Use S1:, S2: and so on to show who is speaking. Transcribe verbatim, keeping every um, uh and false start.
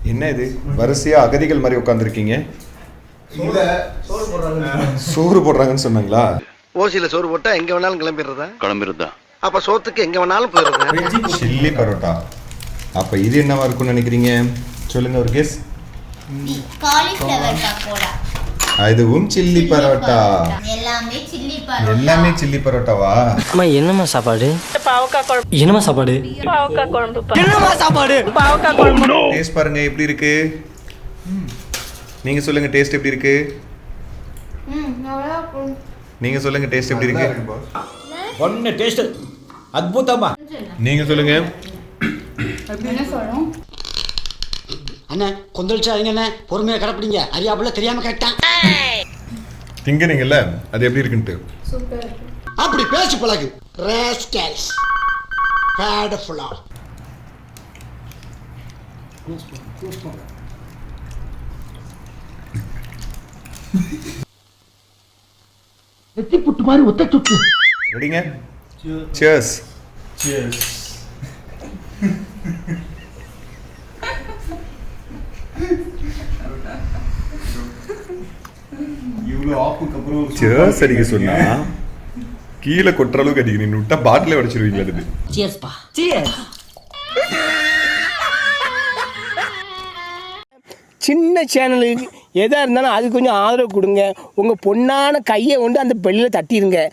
S1: என்ன இது வரிசையா அகதிகள் மாதிரி உட்காந்துருக்கீங்க? சோறு போடுறாங்கன்னு சொன்னாங்களா?
S2: ஓசியில சோறு போட்டா எங்க வேணாலும் கிளம்பிடுறதா?
S3: கிளம்பிடுறதா?
S2: அப்ப சோத்துக்கு எங்க வேணாலும் போயிடுறதா?
S1: சில்லி பரோட்டா. அப்ப இது என்னவா இருக்கும்னு நினைக்கிறீங்க? சொல்லுங்க ஒரு கெஸ்.
S4: காலிஃப்ளவர் பக்கோடா.
S1: அதுவும் சில்லி பரோட்டா.
S4: எல்லாமே சில்லி பரோட்டா.
S1: எல்லாமே சில்லி பரோட்டாவா?
S5: அம்மா என்னம்மா சாப்பாடு? பாவக்காய் குழம்பு. என்னம்மா சாப்பாடு? பாவக்காய் குழம்பு. என்னம்மா சாப்பாடு? பாவக்காய் குழம்பு.
S1: டேஸ்ட் பாருங்க எப்படி இருக்கு? நீங்க சொல்லுங்க டேஸ்ட் எப்படி இருக்கு?
S4: ம் நல்லா இருக்கு.
S1: நீங்க சொல்லுங்க டேஸ்ட் எப்படி இருக்கு?
S6: ஒண்ணு டேஸ்ட் அற்புதமா.
S1: நீங்க சொல்லுங்க.
S4: என்ன சொல்றோம்?
S7: அண்ணா கொந்தளிச்சாதீங்க அண்ணா, பொறுமையா கடப்பிடிங்க. அறியாப்புல தெரியாம கேட்டான்.
S1: திங்கறீங்கல்ல அது எப்படி இருக்குன்னு.
S4: சூப்பர்.
S7: அப்படி பேசி பழகு. ராஸ்கல்ஸ். பேடஃபுல்லா. வெட்டி புட்டு மாதிரி ஒத்த சுட்டு.
S1: ரெடிங்க? Cheers.
S6: Cheers.
S1: Cheers அடிக்க சொன்னா கீழே கொட்டுற அளவுக்கு அடிக்க, நீ விட்டா பாட்டிலே உடைச்சிருவீங்களா? இது
S5: Cheers பா. Cheers.
S8: சின்ன சேனலுக்கு எதாக இருந்தாலும் அது கொஞ்சம் ஆதரவு கொடுங்க. உங்கள் பொண்ணான கையை கொண்டு அந்த பெல்லில் தட்டிடுங்க.